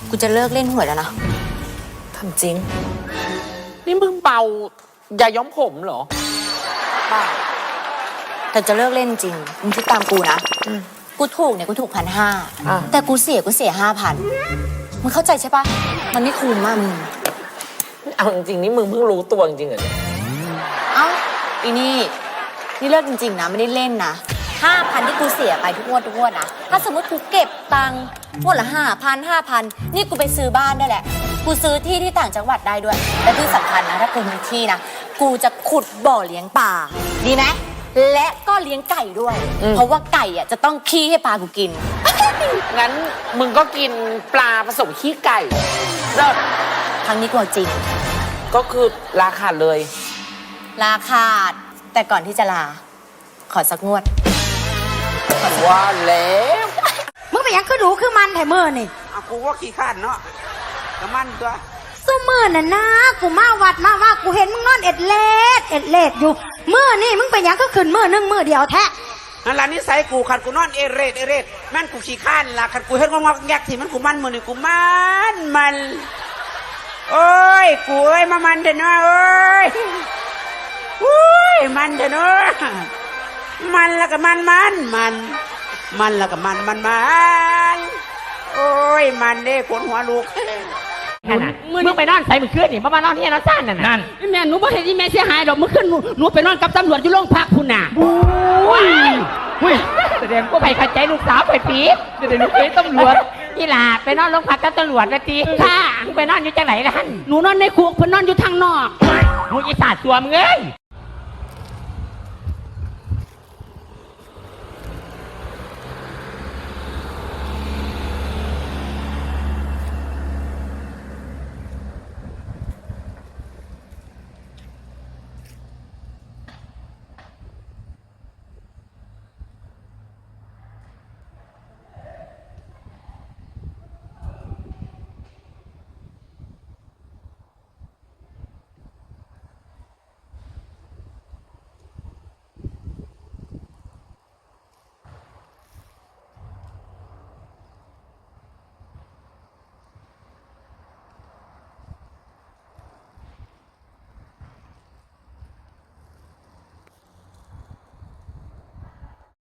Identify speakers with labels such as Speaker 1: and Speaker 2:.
Speaker 1: กูจะเลิกเล่นหวยแล้วนะ
Speaker 2: ทำจริงนี่มึงเบาอย่าย้อมผมเหรอ
Speaker 1: บ้าแต่จะเลิกเล่นจริงมึงคิดตามกูนะกูถูกเนี่ยกูถูก1,500แต่กูเสีย5,000มึงเข้าใจใช่ปะมันไม่คุ้มมากมึง
Speaker 2: เอาจริงๆนี่มึงเพิ่งรู้ตัวจริงๆเหรอเนี่ย
Speaker 1: เอ้าอีนี่เลิกจริงๆนะไม่ได้เล่นนะ5,000ที่กูเสียไปทุกงวดนะถ้าสมมติกูเก็บตังค์งวดละ5,000นี่กูไปซื้อบ้านได้แหละกูซื้อที่ที่ต่างจังหวัดได้ด้วยและที่สำคัญนะถ้ากูมีที่นะกูจะขุดบ่อเลี้ยงปลาดีไหมและก็เลี้ยงไก่ด้วยเพราะว่าไก่อ่ะจะต้องขี้ให้ปลากูกิน
Speaker 2: งั้นมึงก็กินปลาผสมขี้ไก่เลิศ
Speaker 1: ครั้งนี้กูเอาจริง
Speaker 2: ก็คือราคาเลย
Speaker 1: ลาขาดแต่ก่อนที่จะลาขอสักงวด
Speaker 2: ว่าแล้ว
Speaker 3: มึงไปยังคือดูคือมันแถมมือนี่
Speaker 4: เอากูว่าขี้ข้านเนาะกระมันตัว
Speaker 3: สู้มือน่ะนะกูมาวัดมาว่ากูเห็นมึงนอนเอ็ดเล็ดอยู่มือนี่มึงไปยังก็ขึ้นมือนึงมือเดียวแท้
Speaker 4: นั่นล่ะนิสัยกูขันกูนอนเอเรดแม่นกูขี้ข้านล่ะขันกูเห็นงอกๆแยกที่มันกูมันมือนี่กูมันโอ้ยกูเอ้ยมามันเถอะเนาะเอ้ยอุ้ยมันเถอะเนาะมันแล้วก็มันแล้วก็มันโอ้ยมันเด้ขนหัวลูก
Speaker 5: มึงไปนอนใส่มึงขึ้นนี่มานอนที่นอนซ่านนั่นแม่หนูบ่เห็นที่แม่เสียหายดอกมึงขึ้นหนูไปนอนกับตำรวจอยู่โรงพักคุณน่ะอุ้ยแสดงก็ไปขัดใจลูกสาวไปปี๊บจะได้ลูกเป็นตำรวจนี่ล่ะไปนอนโรงพักกับตำรวจนะตีค่ะมึงไปนอนอยู่จังไหนล่ะหนูนอนในคุกเพิ่นนอนอยู่ทางนอกมึงอีสานตัวมึงเอ้ย